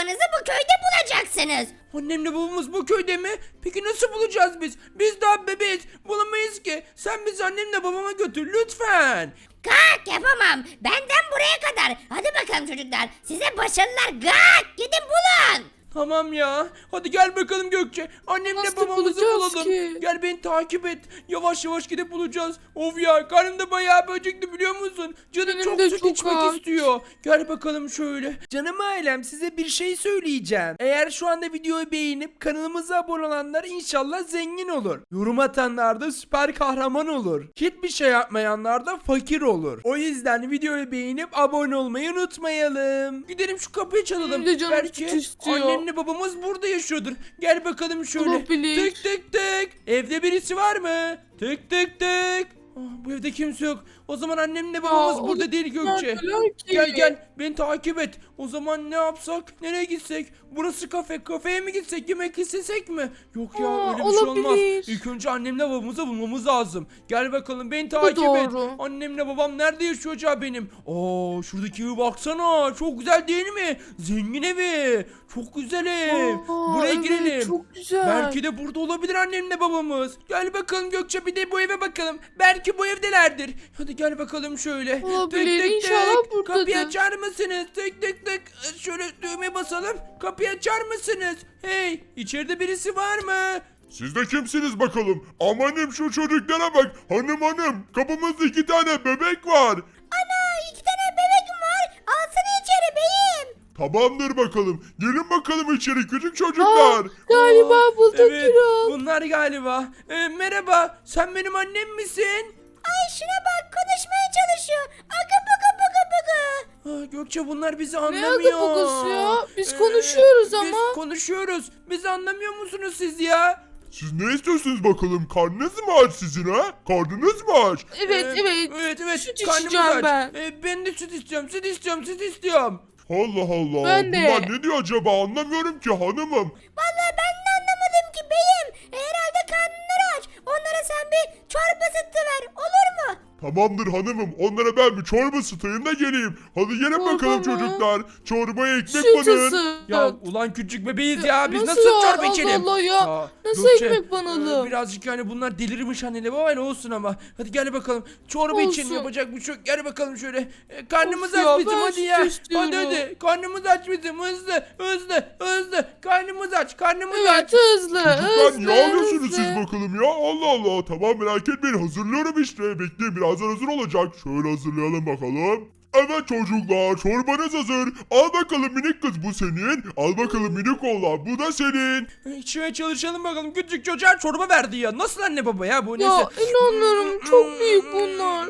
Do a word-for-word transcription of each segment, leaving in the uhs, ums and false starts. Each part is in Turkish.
babanızı bu köyde bulacaksınız. Annemle babamız bu köyde mi? Peki nasıl bulacağız biz? Biz daha bebeğiz. Bulamayız ki. Sen bizi annemle babama götür lütfen. Kalk yapamam. Benden buraya kadar. Hadi bakalım çocuklar. Size başarılar. Kalk gidin bulun. Tamam ya. Hadi gel bakalım Gökçe. Annemle Nasıl babamızı bulacağız bulalım. ki? Gel beni takip et. Yavaş yavaş gidip bulacağız. Of ya karnımda bayağı böcekti biliyor musun? Canım Benim çok de süt çok içmek aç. istiyor. Gel bakalım şöyle. Canım ailem size bir şey söyleyeceğim. Eğer şu anda videoyu beğenip kanalımıza abone olanlar inşallah zengin olur. Yorum atanlar da süper kahraman olur. Hiçbir şey yapmayanlar da fakir olur. O yüzden videoyu beğenip abone olmayı unutmayalım. Gidelim şu kapıyı çalalım. Benim de canım Belki süt istiyor. annemle babamız burada yaşıyordur. Gel bakalım şöyle. Olabilir. Tık tık tık. Evde birisi var mı? Tık tık tık. Ah, bu evde kimse yok. O zaman annemle babamız Aa, burada değil Gökçe. neredeler ki? Gel gel beni takip et. O zaman ne yapsak? Nereye gitsek? Burası kafe. Kafeye mi gitsek? Yemek istesek mi? Yok ya Aa, öyle bir şey olmaz. olabilir. İlk önce annemle babamızı bulmamız lazım. Gel bakalım beni takip et. doğru. Annemle babam nerede yaşıyor acaba benim? Aa şuradaki evi baksana. Çok güzel değil mi? Zengin evi. Çok güzel ev. Aa, Buraya evet, girelim. çok güzel. Belki de burada olabilir annemle babamız. Gel bakalım Gökçe bir de bu eve bakalım. Belki bu evdelerdir. Hadi gel bakalım şöyle. Olabilir, inşallah buradadır. Kapıyı açar mısınız? Tık tık tık. Şöyle düğmeye basalım. Kapıyı açar mısınız? Hey içeride birisi var mı? Siz de kimsiniz bakalım? Amanım şu çocuklara bak. Hanım hanım kapımızda iki tane bebek var. Ana iki tane bebek var. Alsana içeri beyim. Tamamdır bakalım. Gelin bakalım içeri küçük çocuklar. Aa, galiba bulduk Evet Gürol. bunlar galiba. Ee, merhaba sen benim annem misin? Ay şuna bak konuşmaya çalışıyor. Aga buga buga buga. Ah, Gökçe bunlar bizi Ne anlamıyor. agabagası ya? Biz Ee, konuşuyoruz Biz ama. konuşuyoruz. Bizi anlamıyor musunuz siz ya? Siz ne istiyorsunuz bakalım? Karnınız mı aç sizin ha? Karnınız mı aç? Evet Ee, evet. Evet evet. Süt Karnımız içeceğim aç. ben. Ee, ben de süt istiyorum. Süt istiyorum. Süt istiyorum. Allah Allah. Ben de. Bunlar ne diyor acaba? Anlamıyorum ki hanımım. Vallahi ben de anlamadım ki beyim. E, herhalde karnları aç. Onlara sen bir çorba ısıtıver. Olur mu? Tamamdır hanımım. Onlara ben bir çorba ısıtayım da geleyim. Hadi gelin Çorba bakalım mı? çocuklar. Çorbaya ekmek Süt banın. ısıt. Ya ulan küçük bebeğiz ya. Biz Nasıl nasıl, ya? çorba Allah içelim? Allah ya. Nasıl ekmek banalım? e, Birazcık yani bunlar delirmiş anneyle babayla olsun ama. Hadi gel bakalım. Çorba için Olsun. yapacak bir şey yok. Gel bakalım şöyle. E, karnımız Of aç ya, bizim ben hadi süt ya. istiyorum. Hadi hadi. Karnımız aç bizim. Hızlı hızlı hızlı. Karnımız aç. Karnımız Evet aç. hızlı Çocuklar hızlı niye ağlıyorsunuz hızlı. siz bakalım ya? Allah Allah. Tamam merak etmeyin. Hazırlıyorum işte. Bekleyin birazdan hazır olacak. Şöyle hazırlayalım bakalım. Evet çocuklar çorbanız hazır. Al bakalım minik kız bu senin. Al bakalım minik oğlan bu da senin. İçmeye çalışalım bakalım. Küçük çocuğa çorba verdi ya. Nasıl anne baba ya bu Ya neyse. inanmıyorum çok büyük bunlar.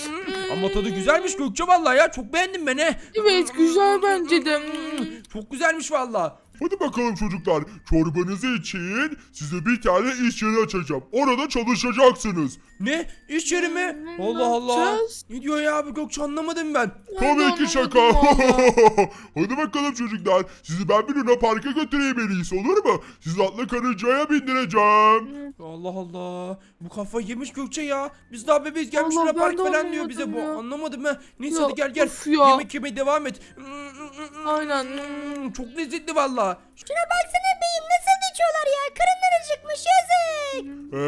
Ama tadı güzelmiş Gökçe vallahi ya. Çok beğendim ben he. Evet güzel bence de. Çok güzelmiş vallahi. Hadi bakalım çocuklar çorbanızı için size bir tane iş yeri açacağım. Orada çalışacaksınız. Ne? İş yeri mi? Ne Allah Allah. yapacağız? Ne diyor ya bu Gökçe anlamadım ben. Ben de Tabii ki şaka. anlamadım valla. Hadi bakalım çocuklar. Sizi ben bir Luna Park'a götüreyim en iyisi olur mu? Sizi atlı karıncaya bindireceğim. Allah Allah. Bu kafa yemiş Gökçe ya. Biz daha bebeğiz gelmiş Allah, Luna ben Park de falan diyor bize bu. anlamadım ya. Anlamadım ha. Neyse Ya, hadi gel gel. of ya. Yemek yemeye devam et. Aynen. Hmm, Çok lezzetli valla. Şuna baksana beyim nasıl içiyorlar ya. Karınlar acıkmış yazık.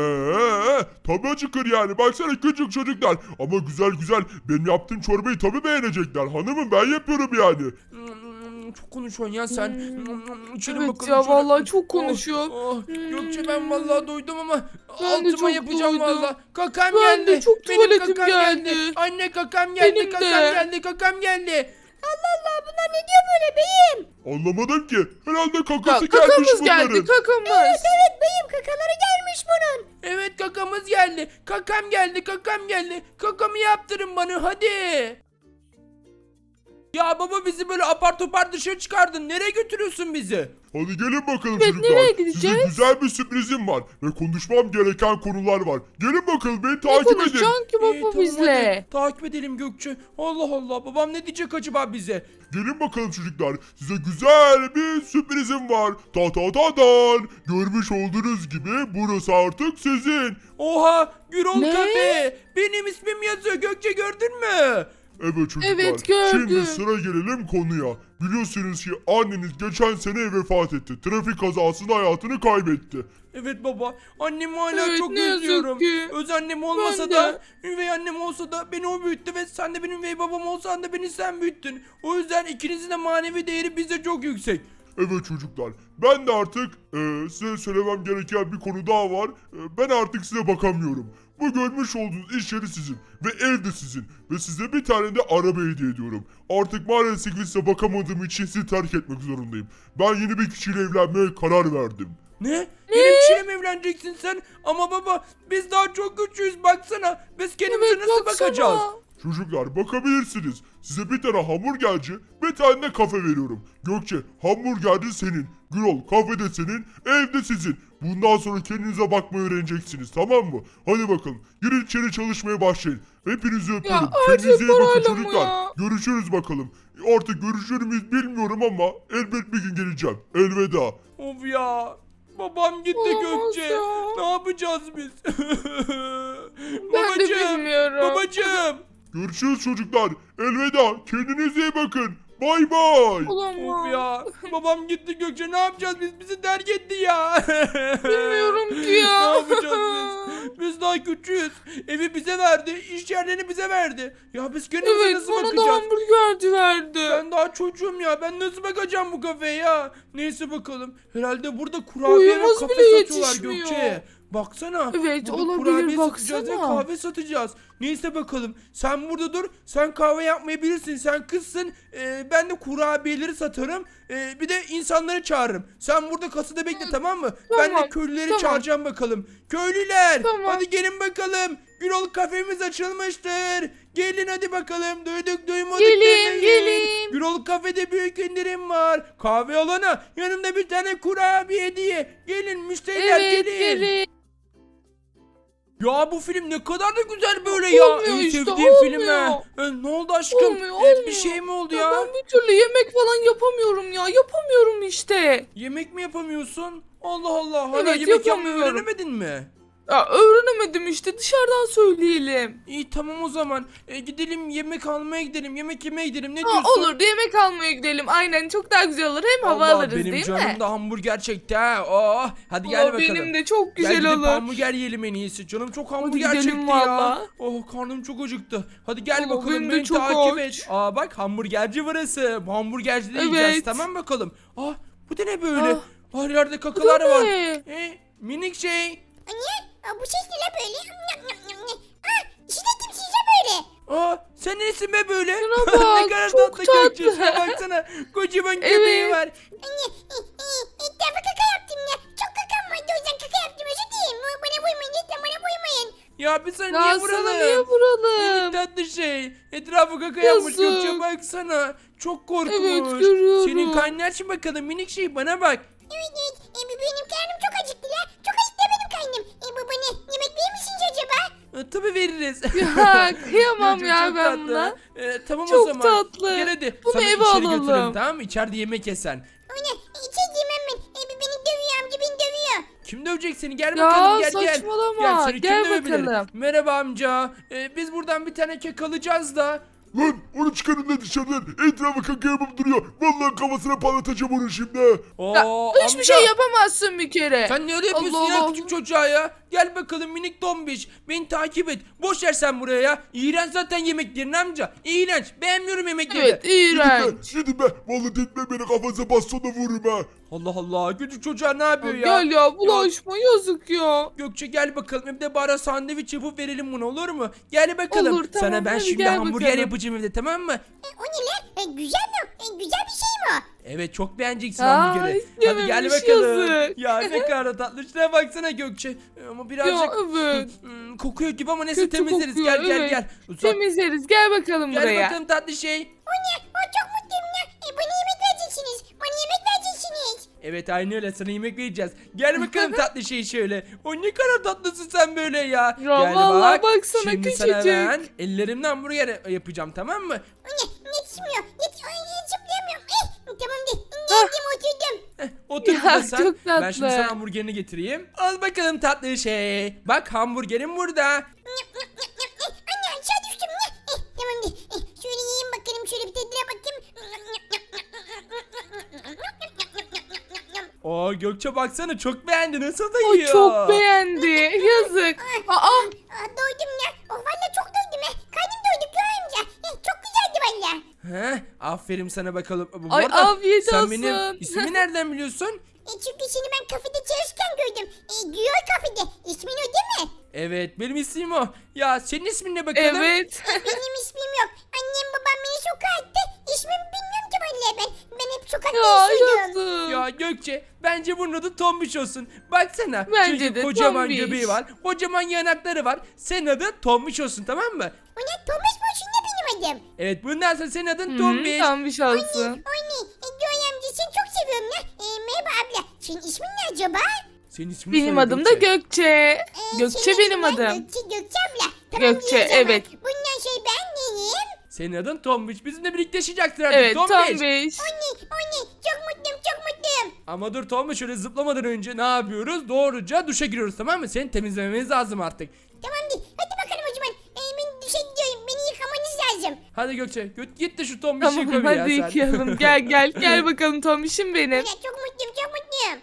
Eee tabii acıkır yani. Baksana küçük çocuklar. Ama güzel güzel. Benim yaptığım çorbayı tabii beğenecekler. Hanımım ben yapıyorum yani. Hmm, Çok konuşuyorsun ya sen. Hmm, İçelim Evet bakalım ya şöyle. vallahi çok Oh, konuşuyor. oh. Gökçe ben vallahi doydum ama Ben de altıma çok yapacağım doydum. vallahi. Kakam Ben geldi. de çok Benim tuvaletim kakam geldi. Anne kakam geldi. Benim kakam de. geldi. Kakam geldi. Allah Allah bunlar ne diyor böyle beyim? Anlamadım ki. Herhalde Ya, kakası gelmiş kakamız bunların. geldi kakamız. Evet beyim kakaları gelmiş bunun. Evet kakamız geldi. Kakam geldi. Kakam geldi. Kakamı yaptırın bana hadi. Ya baba bizi böyle apar topar dışarı çıkardın. Nereye götürüyorsun bizi? Hadi gelin bakalım Evet, çocuklar. nereye Size gideceğiz? güzel bir sürprizim var. Ve konuşmam gereken konular var. Gelin bakalım beni Ne takip edin. konuşacaksın ki baba İyi, tamam, bizle? hadi. Takip edelim Gökçe. Allah Allah babam ne diyecek acaba bize? Gelin bakalım çocuklar. Size güzel bir sürprizim var. Ta ta ta dan. Görmüş olduğunuz gibi burası artık sizin. Oha Gürol Ne? Kafe. Benim ismim yazıyor Gökçe gördün mü? Evet çocuklar. Evet, gördüm. Şimdi sıra gelelim konuya. Biliyorsunuz ki anneniz geçen sene vefat etti. Trafik kazasında hayatını kaybetti. Evet baba. Annemi hala Evet, çok ne yazık özlüyorum. ki. Öz annem olmasa Ben de. da, üvey annem olsa da beni o büyüttü ve sen de benim üvey babam olsan da beni sen büyüttün. O yüzden ikinizin de manevi değeri bize çok yüksek. Evet çocuklar. Ben de artık e, size söylemem gereken bir konu daha var. E, ben artık size bakamıyorum. Bu görmüş olduğunuz iş yeri sizin ve ev de sizin ve size bir tane de araba hediye ediyorum. Artık maalesef size bakamadığım için sizi terk etmek zorundayım. Ben yeni bir kişiyle evlenmeye karar verdim. Ne? Benim kişiyle mi evleneceksin sen? Ama baba biz daha çok küçüğüz baksana. Biz kendimize Evet, nasıl baksana. bakacağız? Çocuklar bakabilirsiniz. Size bir tane hamburgerci, bir tane de kafe veriyorum. Gökçe hamburgerci senin, Gürol kafe de senin, ev de sizin. Bundan sonra kendinize bakmayı öğreneceksiniz tamam mı? Hadi bakalım girin içeri çalışmaya başlayın. Hepinizi öpüyorum. her şey Kendinize iyi bakın parayla mı çocuklar. ya? Görüşürüz bakalım. Artık görüşür müyüz bilmiyorum ama elbet bir gün geleceğim. Elveda. Of ya. Babam gitti Olamaz Gökçe. ya. Ne yapacağız biz? Ben de bilmiyorum. Babacığım. Görüşürüz çocuklar. Elveda. Kendinize iyi bakın. Bay bay. Olamaz. Of ya. Babam gitti Gökçe. Ne yapacağız biz? Bizi terk etti ya. Bilmiyorum ki ya. Ne yapacağız biz? Biz daha küçüğüz. Evi bize verdi. İş yerlerini bize verdi. Ya biz kendimize Evet, nasıl bana da bakacağız? hamburgerci verdi. Ben daha çocuğum ya. Ben nasıl bakacağım bu kafeye ya? Neyse bakalım. Herhalde burada kurabiye ve Boyumuz kafe bile satıyorlar yetişmiyor. Gökçe. Baksana. Evet, burada olabilir, kurabiye satacağız ve baksana. kahve satacağız. Neyse bakalım. Sen burada dur. Sen kahve yapmayı bilirsin. Sen kızsın. Ee, ben de kurabiyeleri satarım. Ee, bir de insanları çağırırım. Sen burada kasada bekle tamam mı? Ben de tamam, köylüleri tamam. çağıracağım bakalım. Köylüler. Tamam. Hadi gelin bakalım. Gürol kafemiz açılmıştır. Gelin hadi bakalım. Duyduk duymadık Gelin, demeyin. gelin. Gürol kafede büyük indirim var. Kahve alana yanımda bir tane kurabiye hediye. Gelin müşteriler Evet, gelin. gelin. Ya bu film ne kadar da güzel böyle ya. Olmuyor En işte, sevdiğim film olmuyor. ha. E, ne oldu aşkım? Olmuyor, E, olmuyor. bir şey mi oldu Ya ya? ben bir türlü yemek falan yapamıyorum ya. Yapamıyorum işte. Yemek mi yapamıyorsun? Allah Allah. Hala Evet, yemek yapmayı yapamıyorum. öğrenemedin mi? Ya öğrenemedim işte, dışarıdan söyleyelim. İyi tamam o zaman. E, gidelim yemek almaya gidelim. Yemek yemeye gidelim. Ne Ha, diyorsun? olur, yemek almaya gidelim. Aynen, çok daha güzel olur. Hem hava Allah, alırız benim değil canım mi? da hamburger çekti ha. Oh, hadi gel Aa, bakalım. benim de çok Gel güzel gidip olur. hamburger yiyelim en iyisi. Canım çok hamburger gidelim çekti valla. ya. Oh karnım çok acıktı. Hadi gel Aa, bakalım benim de beni çok takip aç. et. Aa bak hamburgerci burası. Bu hamburgercide Evet. yiyeceğiz tamam bakalım. Ah bu da ne böyle? Ah, Her yerde kakalar Bu da var. ne? E, minik şey. Anne, aa, bu ses ne la böyle? Nyam, nyam, nyam, nyam. Aa, içinde kimsin ya böyle? Aa sen nesin be böyle? Şuna ne bak, kadar çok tatlı Gökçe. tatlı. Şuna baksana. Kocaman göbeği Evet. var. Anne, e, e, etrafa kaka yaptım ya. Çok kakam vardı o yüzden kaka yaptım. Özür dilerim. Bana vurmayın lütfen bana vurmayın. Ya biz sana Ya niye sana vuralım? niye Minik vuralım? tatlı şey. Etrafı kaka yapmış Yazık. Gökçe baksana. Çok korkmuş. Evet, görüyorum. Senin karnın aç mı bakalım minik şey bana bak. Evet evet. E, bu benim karnım çok acıktı la. Çok acıktı benim karnım. E, bu bana yemek verir misiniz acaba? E, tabii veririz. Ya kıyamam Gökçe ya çok ben tatlı. buna. E, tamam o Çok zaman. tatlı. Gel hadi. Bunu Sana eve içeri alalım. götüreyim tamam mı? İçeride yemek yesen. Ona e, içeri yemem ben. E, bu beni dövüyor amca beni dövüyor. Kim dövecek seni? Gel Ya, bakalım gel gel. saçmalama. seni kim Gel dövebilir? bakalım. Merhaba amca. E, biz buradan bir tane kek alacağız da. Lan onu çıkarın da dışarıdan. Etrafı kaka yapıp duruyor. Vallahi kafasına patlatacağım onu şimdi. Ya, Oo, hiçbir amca. şey yapamazsın bir kere. Sen ne öyle yapıyorsun Allah ya Allah. küçük çocuğa ya? Gel bakalım minik tombiş. Beni takip et. Boş ver sen buraya ya. İğrenç zaten yemeklerin amca. İğrenç. Beğenmiyorum yemekleri. Evet, iğrenç. Gidin be. Vallahi tekme beni kafasına bastona vururum ha. Allah Allah. Küçük çocuğa ne yapıyor ya? Gel ya, bulaşma, yazık ya. Gökçe gel bakalım. Hem de bana sandviç yapıp verelim bunu olur mu? Gel bakalım. Olur, tamam, Sana ben hadi şimdi gel hamburger bakalım. yapacağım evde tamam mı? E, o ne la? E, güzel mi? E, güzel bir şey mi o? Evet çok beğeneceksin Aa, hamburgeri. Hadi gel istememiş, bakalım. yazık. Ya ne kadar tatlı. Şuna baksana Gökçe. Ee, Ama birazcık Ya evet. hmm, kokuyor gibi ama neyse Kötü temizleriz. kokuyor, Gel gel evet. gel. Uzak. Temizleriz. Gel bakalım Gel buraya. bakalım tatlı şey. O ne? O çok mutluyum ya. E, bana yemek vereceksiniz. Bana yemek vereceksiniz. Evet aynı öyle sana yemek vereceğiz. Gel bakalım tatlı şey şöyle. O ne kadar tatlısın sen böyle ya. Gel vallahi baksana, Şimdi sana küçücük. ben ellerimden hamburger yapacağım tamam mı? O ne? Yetişmiyor. Yetiş Ay, zıplayamıyorum. Eh, tamam de. Geldim oturdum. Heh, otur Ya, burada sen. çok Ben şimdi tatlı. sana hamburgerini getireyim. Al bakalım tatlı şey. Bak hamburgerim burada. Nyap, nyap, nyap, nyap. Eh, anne aşağı düştüm. Eh, eh, tamam de. Eh, şöyle Oo Gökçe baksana çok beğendi. Nasıl da O yiyor? çok beğendi. Yazık. Aa, Aa, doydum ya. Oh valla çok doydum ya. Karnım doydu Göğe amca. Eh, çok güzeldi valla. He, aferin sana bakalım. Bu Ay, arada afiyet sen olsun. benim ismimi nereden biliyorsun? E, çünkü seni ben kafede çalışırken gördüm. E, Güyor kafede. İsmin o değil mi? Evet benim ismim o. Ya senin ismin ne bakalım? evet. Benim ismim yok. Annem babam beni sokağa attı. İsmimi bilmiyorum ki valla ben. Ben hep sokakta Ya yaşıyorum. yazık. Ya Gökçe bence bunun adı Tombiş olsun. Baksana. Bence çünkü de kocaman Tombiş. göbeği var. Kocaman yanakları var. Senin adın Tombiş olsun tamam mı? O ne? Thomas Boş'un ne benim adım? Evet bundan sonra senin adın Hı, Tombiş. tam bir şansın. O ne? E, Güyor amca seni çok seviyorum ya. E, merhaba abla. Senin ismin ne acaba? Senin ismin Benim söyle adım da Gökçe. E, Gökçe senin benim ismin adım. Gökçe, Gökçe abla. Tamam, Gökçe, iyi o zaman. evet. Bundan şey ben neyim? Senin adın Tombiş. Bizimle birlikte yaşayacaksın artık Evet Tombiş. Tombiş. O ne? O ne? Çok mutluyum çok mutluyum. Ama dur Tombiş şöyle zıplamadan önce ne yapıyoruz? Doğruca duşa giriyoruz tamam mı? Seni temizlememiz lazım artık. Tamam değil. Hadi bakalım o zaman. E, ben duşa gidiyorum. Beni yıkamanız lazım. Hadi Gökçe git, git de şu Tombiş'i Tamam yıka bir ya hadi sen. yıkayalım. Gel gel gel bakalım Tombiş'im benim. Ya, çok mutluyum çok mutluyum.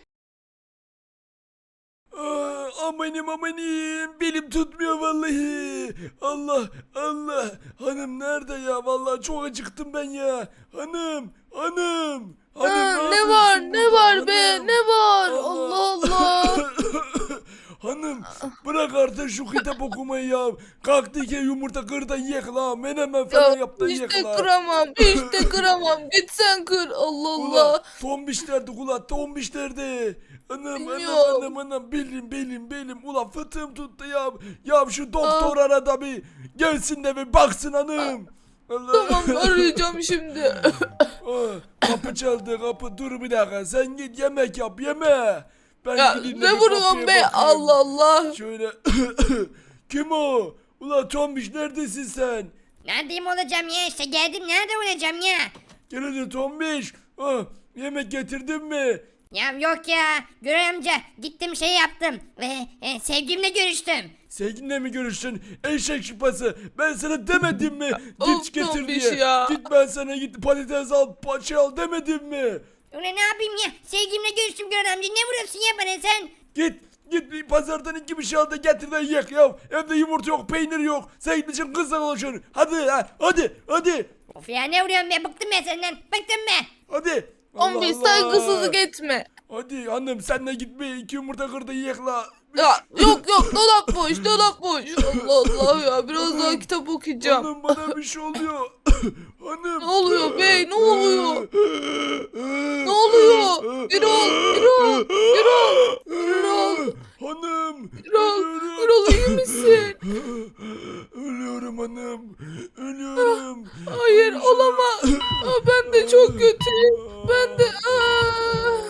Aa, amanim amanim belim tutmuyor vallahi. Allah Allah. Hanım nerede ya? Vallahi çok acıktım ben ya. Hanım hanım. Hanım Ha, ne yapıyorsun var ne burada? var be Hanım. ne var? Allah Allah. Hanım bırak artık şu kitap okumayı ya. Kalktı ki yumurta kır da yiyek la. Menemen falan Ya yap da hiç yiyek de la. kıramam. Hiç de kıramam. Git sen kır. Allah Allah. Ula tombiş nerede ula tombiş nerede? Anam anam Bilmiyorum. anam anam belim belim belim ula fıtığım tuttu ya. Ya şu doktor arada bir gelsin de bir baksın hanım. Allah. Tamam arayacağım şimdi. Aa, kapı çaldı kapı dur bir dakika sen git yemek yap yeme. Ben Ya gideyim de ne bir vuruyorsun kapıya be? bakayım. Allah Allah. Şöyle kim o? Ula tombiş neredesin sen? Neredeyim olacağım ya işte geldim nerede olacağım ya? Gel hadi tombiş. Ah, yemek getirdin mi? Ya yok ya Güray amca gittim şey yaptım ve e, sevgimle görüştüm. Sevgilinle mi görüştün? Eşek şıpası. Ben sana demedim mi? Of, Git getir tombiş diye. ya. Git ben sana git patates al, paça al demedim mi? Ulan ne yapayım ya sevgimle görüştüm Güray amca ne vuruyorsun ya bana sen? Git git bir pazardan iki bir şey al da getir de yiyek ya. Evde yumurta yok, peynir yok. Sen gitmişsin kızla konuşuyorsun. Hadi ha, hadi hadi. Of ya ne vuruyorsun be bıktım ben senden bıktım be. Hadi. Allah Tombiş Allah. saygısızlık etme. Hadi hanım sen de git bir iki yumurta kır da yiyek la. Ya yok yok dolap boş dolap boş. Allah Allah ya biraz daha kitap okuyacağım. Hanım bana bir şey oluyor. Hanım. Ne oluyor be ne oluyor? Ne oluyor? Birol Birol Birol Birol Hanım. Birol ölüyorum. Birol iyi misin? Ölüyorum hanım. Ölüyorum. Hayır olamaz. Aa, ben de çok kötüyüm. Ben de aa.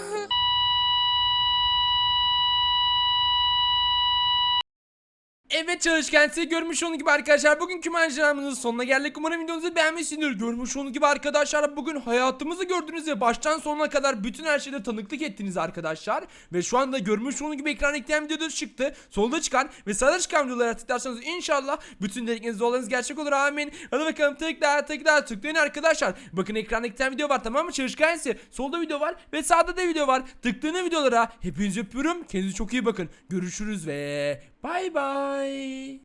Evet çalışkan size görmüş olduğunuz gibi arkadaşlar bugünkü maceramızın sonuna geldik. Umarım videomuzu beğenmişsinizdir. Görmüş olduğunuz gibi arkadaşlar bugün hayatımızı gördünüz ve baştan sonuna kadar bütün her şeyde tanıklık ettiniz arkadaşlar. Ve şu anda görmüş olduğunuz gibi ekran ekleyen videoda çıktı. Solda çıkan ve sağda çıkan videolara tıklarsanız inşallah bütün dilekleriniz dualarınız gerçek olur amin. Hadi bakalım tıkla tıkla tıklayın arkadaşlar. Bakın ekran ekleyen video var tamam mı çalışkan size. Solda video var ve sağda da video var. Tıklayın videolara. Hepinizi öpüyorum. Kendinize çok iyi bakın. Görüşürüz ve bay bay.